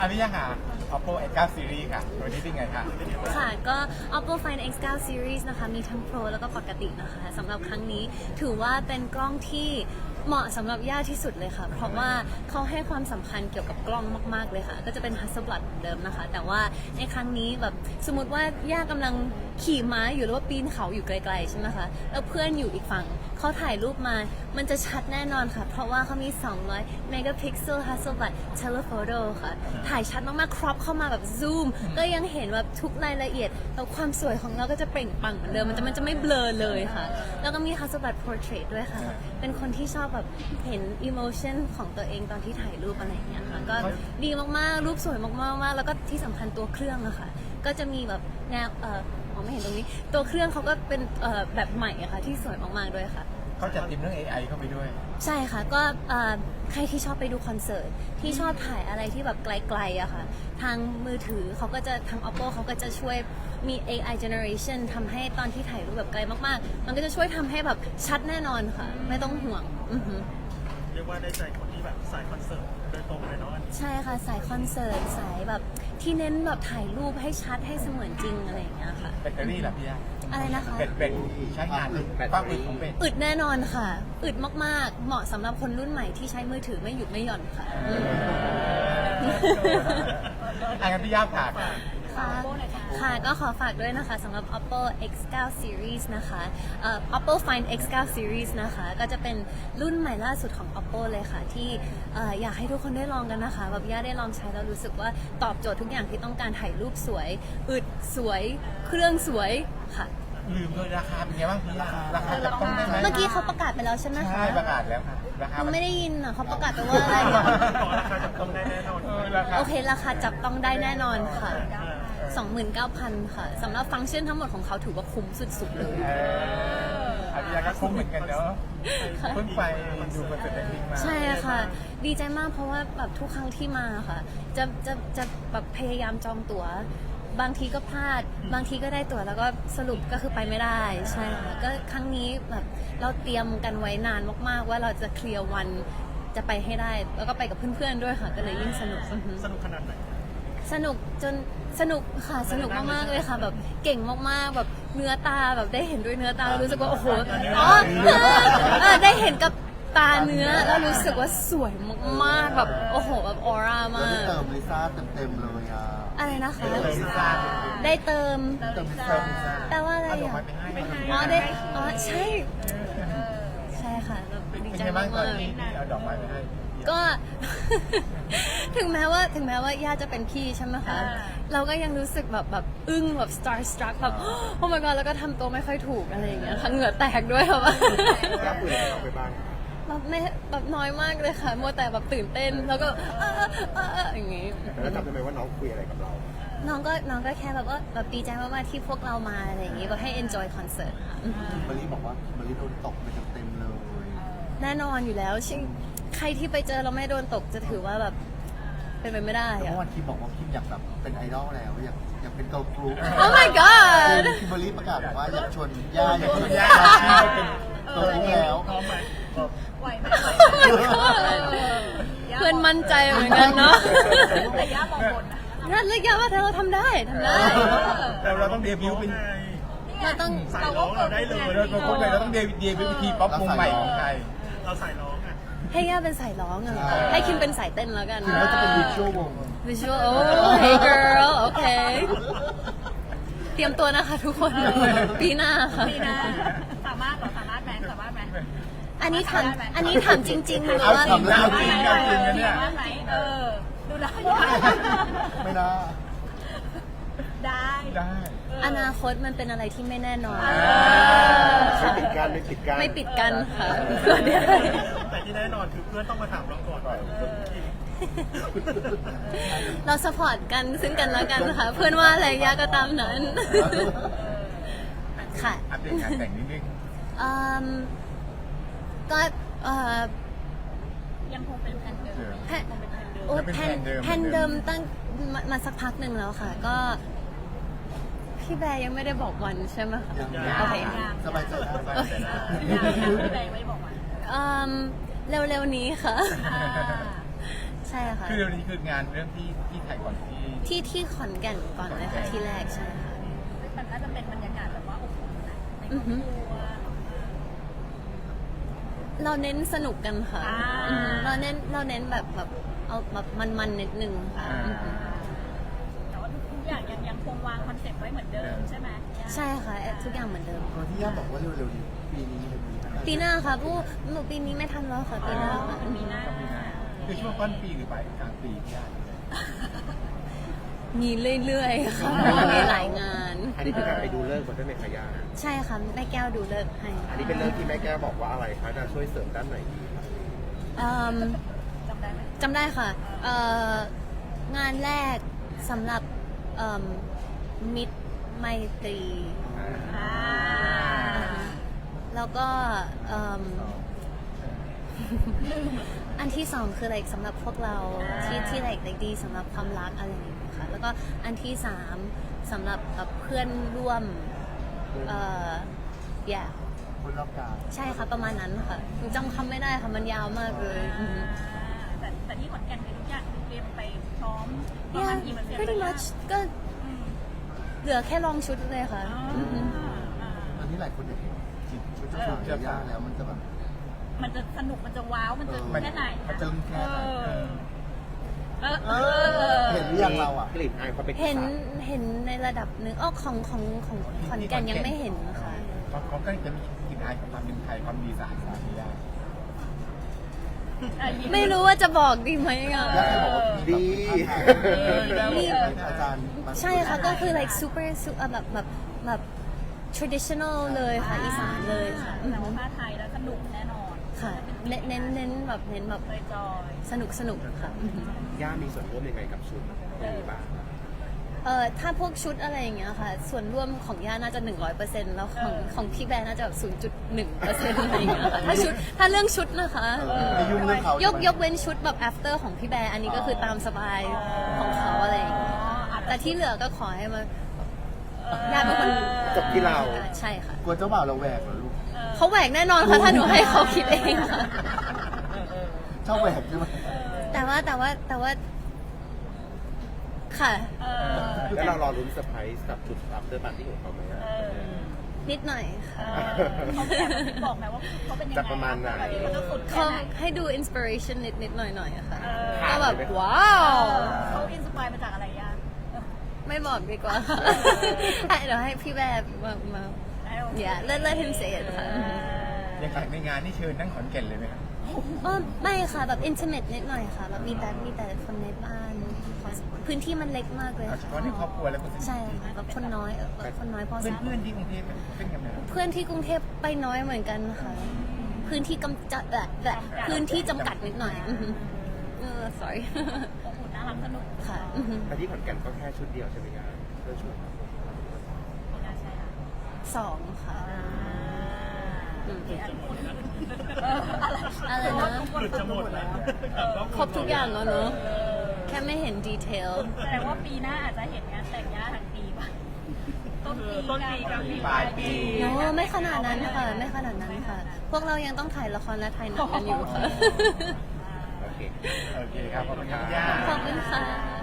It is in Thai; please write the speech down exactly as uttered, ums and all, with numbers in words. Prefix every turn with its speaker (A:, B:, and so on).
A: อันนี้ยังหา Oppo เอ็กซ์ ไนน์ Series ค่ะตัวนี้เป็นไงคะ
B: ค่ะก็ Oppo Find เอ็กซ์ ไนน์ Series นะคะมีทั้ง Pro แล้วก็ปกตินะคะสำหรับครั้งนี้ถือว่าเป็นกล้องที่เหมาะสำหรับย่าที่สุดเลยค่ะ เพราะว่าเขาให้ความสำคัญเกี่ยวกับกล้องมากๆเลยค่ะก็จะเป็น Hasselblad เหมือนเดิมนะคะแต่ว่าในครั้งนี้แบบสมมติว่าย่ากำลังขี่ม้าอยู่หรือว่าปีนเขาอยู่ไกลๆใช่ไหมคะแล้วเพื่อนอยู่อีกฝั่งเขาถ่ายรูปมามันจะชัดแน่นอนค่ะเพราะว่าเขามีสองร้อย megapixel Hasselblad telephoto ค่ะถ่ายชัดมากๆ crop เข้ามาแบบซูมก็ยังเห็นแบบทุกรายละเอียดแล้วความสวยของเราก็จะเปล่งปลั่งเหมือนเดิมมันจะมันจะไม่เบลอเลยค่ะแล้วก็มี Hasselblad portrait ด้วยค่ะเป็นคนที่ชอบแบบเห็น emotion ของตัวเองตอนที่ถ่ายรูปอะไรอย่างเงี้ยค่ะก็ดีมากๆรูปสวยมากๆแล้วก็ที่สำคัญตัวเครื่องอะค่ะก็จะมีแบบแนวเออมองไม่เห็นตรงนี้ตัวเครื่องเขาก็เป็นเอ่อแบบใหม่อะค่ะที่สวยมากๆด้วยค่ะ
A: เขาจัดทีมเรื่อง เอ ไอ เข้าไปด้วย
B: ใช่ค่ะก็ใครที่ชอบไปดูคอนเสิร์ตที่ชอบถ่ายอะไรที่แบบไกลๆอะค่ะทางมือถือเขาก็จะทาง Oppo เขาก็จะช่วยมี เอ ไอ generation ทำให้ตอนที่ถ่ายรูปแบบไกลมากๆมันก็จะช่วยทำให้แบบชัดแน่นอนค่ะไม่ต้องห่วงอือหือ
C: เรียกว่าได้ใจคนที่แบบสายคอนเสิร์ตโดยตรงเลยเนาะ
B: ใช่ค่ะสายคอนเสิร์ตสายแบบที่เน้นแบบถ่ายรูปให้ชัดให้เสมือนจริงอะไรอย่างเงี้ยค่ะ
A: แบตเตอรี่ล่ะพี่ยา
B: อะไรนะคะ
A: เป็นเป็นใช้งานความอึดของเป็น
B: อึดแน่นอนค่ะอึดมากๆเหมาะสำหรับคนรุ่นใหม่ที่ใช้มือถือไม่หยุดไม่หย่อนค่ะ
A: อันนั้นพี่ยาผ่าน
B: ค่ะค่ะก็ขอฝากด้วยนะคะสำหรับ Oppo เอ็กซ์ ไนน์ Series นะคะเอ่อ Oppo Find เอ็กซ์ ไนน์ Series นะคะก็จะเป็นรุ่นใหม่ล่าสุดของ Oppo เลยค่ะที่เอ่ออยากให้ทุกคนได้ลองกันนะคะแบบย่าได้ลองใช้แล้วรู้สึกว่าตอบโจทย์ทุกอย่างที่ต้องการถ่ายรูปสวยอึดสวยเครื่องสวยค่ะ
A: ลืมเลยราคาเป็นไงบ้างพี่ยาราคาจะต้องได้ไหม
B: เมื่อกี้เขาประกาศไปแล้วใช่ไหมคะ
A: ใช่ประกาศแล้วค่ะราคา
B: ไม่ได้ยินอ่ะเขาประกาศไปว่าอะไร
C: ราคาจับต้องได้แน่นอน
B: โอเคราคาจับต้องได้แน่นอนค่ะ สองหมื่นเก้าพัน ค่ะสำหรับฟังก์ชันทั้งหมดของเขาถือว่าคุ้มสุดๆเลย
A: อันนี้ก็คุ้มเหมือนกันเนาะเพิ่งไปดูคอนเสิร์ตแบล็คพิงค์มา
B: ใช่ค่ะดีใจมากเพราะว่าแบบทุกครั้งที่มาค่ะจะจะจะแบบพยายามจองตั๋วบางทีก็พลาดบางทีก็ได้ตั๋วแล้วก็สรุปก็คือไปไม่ได้ใช่ค่ะก็ครั้งนี้แบบเราเตรียมกันไว้นานมากๆว่าเราจะเคลียร์วันจะไปให้ได้แล้วก็ไปกับเพื่อนๆด้วยค่ะก็เลยยิ่งสนุก
C: สนุกขนาดไหน
B: สนุกจนสนุกค่ะสนุกมากๆเลยค่ะแบบเก่งมากๆแบบเนื้อตาแบบได้เห็นด้วยเนื้อตาแล้วรู้สึกว่าโอ้โหอ๋อได้เห็นกับตาเนื้อแล้วรู้สึกว่าสวยมากๆแบบโอ้โหแบบออร่ามาก
D: เติมลิซ่าเต็มๆเลยอ่ะ
B: อะไรนะคะได้เติมแต่ว่าอะไรอ่ะอ๋อได้อ๋อใช่ใช่ค่ะดีใจมาก
A: ๆเอาดอกไม้ไปให้
B: ก็ ถึงแม้ว่าถึงแม้ว่าย่าจะเป็นพี่ใช่ไหมคะเราก็ยังรู้สึกแบบแบบอึ้งแบบ star struck แบบโอ้ my god แล้วก็ทำตัวไม่ค่อยถูกอะไรอย่างเงี้ยค่ะเหงื่อแตกด้วยค่ะว่าแบบไม่แบบน้อยมากเลยค่ะมัวแต่แบบตื่นเต้นแล้วก็เออเออเอออย่างงี้
D: แล้วจำได้ไหมว่าน้องคุยอะไรกับเรา
B: น้องก็น้องก็แค่แบบว่าแบบดีใจมากๆที่พวกเรามาอะไรอย่างงี้ก็ให้ enjoy concert ค่ะ
D: มารีบอกว่ามารีโดนตกไปเต็มๆเลย
B: แน่นอนอยู่แล้วชิใครที่ไปเจอเราไม่โดนตกจะถือว่าแบบเป็นไปไม่ได้
D: อะเมื่อวานคิมบอกว่าคิมอยากแบบเป็นไอดอลแล้วอยากอยากเป็นเกิร์ลกรุ๊ป
B: Oh my god
D: คิมเบอร์รี่ประกาศบอกว่าอยากชวนย่าอยากชวนย่าเป็นเกิร์ลกรุ๊ปแล้ว
C: พร้อมไหม
E: ไหวไหม
B: เพื่อนมั่นใจเหมือนกันเนาะ
E: แต่ย่ามองบน
B: นั่นเรียกย่าว่าเธอเราทำได้ทำได้
A: แต่เราต้องเดบิวต์เป็น
B: เราต้อง
C: สายร้องเราได้เลย
A: เราต้องเราต้องเดบิวต์เป็นวิธีป๊อปวงใหม่ของไทย
C: เราสายร้องอ่ะ
B: ให้ย่าเป็นสายร้องอะให้คิมเป็นสายเต้นแล้วกัน
D: คิมก็จะเป็นวิชวลวง
B: วิชวลโอ้ hey girl โอเคเตรียมตัวนะคะทุกคนปีหน้าค่ะ
E: ปีหน้าสามารถหรอสามารถไหมสามารถไหม
B: อันนี้ถามอันนี้ถามจริงๆหรือว่า
A: ทำแล้วจริงๆจริงๆเนี่ย
E: เออดูได้
D: ไม่ได้
E: ได้
A: ได้
B: อนาคตมันเป็นอะไรที่ไม่แน่นอน
D: ไม่ปิดกันไม่ปิดกัน
B: ไม่ปิดกันค่ะเพื่อนได้
C: แต่ที่แน่นอนคือเพื่อนต้องมาถามเราก่อน
B: เราสปอร์ตกันซึ่งกันและกันค่ะเพื่อนว่าอะไรย่าก็ตามนั้นค่ะ
A: อัปเดตงานแต่งนิดนึง
B: ก็
E: ยังคงเป็นแผนเดิม
B: โอ้แผนแผนเดิมตั้งมาสักพักหนึ่งแล้วค่ะก็พี่แบร์ยังไม่ได้บอกวันใช่ไหมคะโอเค
D: สบายใจได้
E: พี่แบร์ไม่บอกวัน
B: เร็วๆนี้ค่ะใช่ค่ะ
A: คือเรื่องนี้คืองานเรื่องที่ที่ไทยก่อนที่
B: ที่ที่ขอนแก่นก่อนเลยค่ะที่แรกใช่ค่ะ
E: มันน่าจะเป็นบรรยากาศแบบว่าอบอุ่นนะในคร
B: อื
E: อ
B: อบ ฮึ
E: ครัว
B: เราเน้นสนุกกันค่ะ
E: อ่า
B: อืมเราเน้นเราเน้นแบบแบบเอาแบบมันๆนิดนึงค่ะอือฮึ
E: แต่ว่าทุกอย่างยังยังคงวางคอนเซ็ปต์ไว้เหมือนเดิมใช่ไหม
B: ใช่ค่ะทุกอย่างเหมือนเดิม
D: ตอนที่ย่าบอกว่าเร็วๆนี้ปีนี้เลยมีอะไร
B: ปีหน้าค่ะผู้หนูปีนี้ไม่ทันแล้วค่ะปีหน้าค่ะ
E: มีหน้า
A: ต้องมีงานคือช่วงต้นปีหรือปลายกลางปีที่ได้
B: มีเรื่อยๆค่ะเพราะว่ามีหลายงาน
F: อันนี้คือการไปดูเลิกษ์มาด้วยไหมคะย่า
B: ใช่ค่ะแม่แก้วดูเลิกษ์ให้
F: อันนี้เป็นเลิกษ์ที่แม่แก้วบอกว่าอะไรคะจะช่วยเสริมด้านไหนดี
B: อืม
E: จำได้ไหม
B: จำได้ค่ะเอ่องานแรกสำหรับเอิ่มมิตรไมตรี
E: อ่า
B: แล้วก็เอิ่มอันที่สองคือ like สำหรับพวกเราที่ที่ like like ดีสำหรับความรักอะไรอย่างเงี้ยค่ะแล้วก็อันที่สามสำหรับแบบเพื่อนร่วมเอ่อ yeah
D: คนรอบกาย
B: ใช่ค่ะประมาณนั้นค่ะหนูจำคำไม่ได้ค่ะมันยาวมากเลยอือฮึ
E: แต่แต่ที่ขอนแก่นคือทุกอย่างเตรียมไปพร้อมประมาณ
B: yeah
E: กี่เปอร์เซ็นต์
B: pretty much ก็เหลือแค่ลองชุดเลยค่ะอือฮึ
D: ตอนนี้หลายคนอยากเห็นจิตชุดของย่าแล้วมันจะแบบ
E: มันจะสนุกมันจะว้าวมันจะ
D: มัน
E: แค่ไหน
D: มันจะแค่ไหน
E: เออ
D: เอ
E: เอ
D: อ
E: อ
D: เห็นหรือยังเราอ่ะ
F: กลิ่นอายความเป็น
B: เห็น
F: อีสาน
B: เห็นในระดับหนึ่งอ้อของของของขอนแก่นยังไม่เห็นนะคะ
A: เขาเขาก็จะมีกลิ่นอายของความเป็นไทยความดีสะอาดสะอาดที่ได้
B: ไม่รู้ว่าจะบอกดีไหมอ่ะ
D: ย่าเคยบอกว่ามีแบบ
B: มี
D: อาจารย์มา
B: ใช่ค่ะก็คือ like super super แบบแบบแบบ traditional เลยค่ะอีสานเลยค่ะอือ
E: แต่
B: ฮึ
E: ว่าผ้าไทยแล้วสนุกแน่นอน
B: ค่ะเน้นเน้นเน้นแบบเน้นแบบ
E: เลยจอย
B: สนุกสนุกค่ะอือฮึ
F: ย่ามีส่วนร่วมยังไงกับชุดนี้บ้าง
B: เอ่อถ้าพวกชุดอะไรอย่างเงี้ยค่ะ ส่วนร่วมของย่าน่าจะหนึ่งร้อยเปอร์เซ็นต์แล้วของของพี่แบร์น่าจะแบบศูนย์จุดหนึ่งเปอร์เซ็นต์อะไรอย่างเงี้ยค่ะถ้าชุดถ้าเรื่องชุดนะคะ
D: เออไม่ยุ่งเรื่องเขา
B: ยกยกเว้นชุดแบบ after ของพี่แบร์อันนี้ก็คือตามสบายของเขาอะไรอย่างเงี้ยแต่ที่เหลือก็ขอให้มาย่าเป็นคน
F: จบที่เรา
B: ใช่ค่ะ
D: กลัวเจ้าบ่าวเราแหวกเหรอลูก
B: เขาแหวกแน่นอนค่ะถ้าหนูให้เขาคิดเองค่ะ
D: ชอบแหวกใช่ไหม
B: แต่ว่าแต่ว่าแต่ว่า ค่ะ
E: เออ
F: แล้วเรารอรุ้นเซอร์ไพรส์กับชุด after party ของเขาไหมอะ
E: เออ
B: นิดหน่อยค่ะ
E: เขาแบบบอกไหมว่าเขาเป็นยังไง
F: จะประมาณไหน
E: เขาจะสุดแค่
B: เขา
E: ไหน
B: ให้ดู inspiration นิดนิดหน่อยหน่อยอะค่ะ
E: เออ
B: ก็แบบว้าว
E: เขาอินสปายมาจากอะไรย่า
B: ไม่บอกดีกว่าค่ะ ให้เดี๋ยวให้พี่แบบมามา yeah let let him say it ค่ะ
A: อย่างในงานนี่เชิญทั้งขอนแก่นเลยไหมครับ
B: อ๋อไม่ค่ะแบบ intimate นิดหน่อยค่ะแบบมีแต่มีแต่คนในบ้านพื้นที่มันเล็กมากเลย
A: เอาเฉพาะในครอบครัวแล้วก็
B: ใช่ค่ะแบบคนน้อยเออคนน้อยพอ
A: เพื่อน
B: สม
A: เพื่อนๆที่กรุงเทพเป็นกันไหมครับ
B: เพื่อนที่กรุงเทพไปน้อยเหมือนกันค่ะพื้นที่กำจัดแบบแบบพื้นที่จำกัดนิดหน่อยอือฮึเออ sorry
E: อบอุ่นน่ารักสนุก
B: ค่ะอือฮึ
F: แต่ที่ขอนแก่นก็แค่ชุดเดียวใช่ไหมย่าเพื่อชุด
E: ไม่น่าใช่ค่ะ
B: สองค่ะอืม
E: เอออะไร
B: อะไรนะ
C: หลุดจะหมดแล้ว
B: ครบทุกอย่างแล้วเนอะแค่ไม่เห็นดีเทล
E: แสดงว่าปีหน้าอาจจะเห็นงานแต่งย่าทั้งปีป่ะต้นปีต้นปีกลางปีปลายปี
B: โน้ไม่ขนาดนั้นค่ะ ไม่ขนาดนั้นค่ะ พวกเรายังต้องถ่ายละครและถ่ายหนังกันอยู่ค่ะ
F: โอเค
A: โอเคครับขอบคุณครับย่า
B: ขอบคุณค่ะ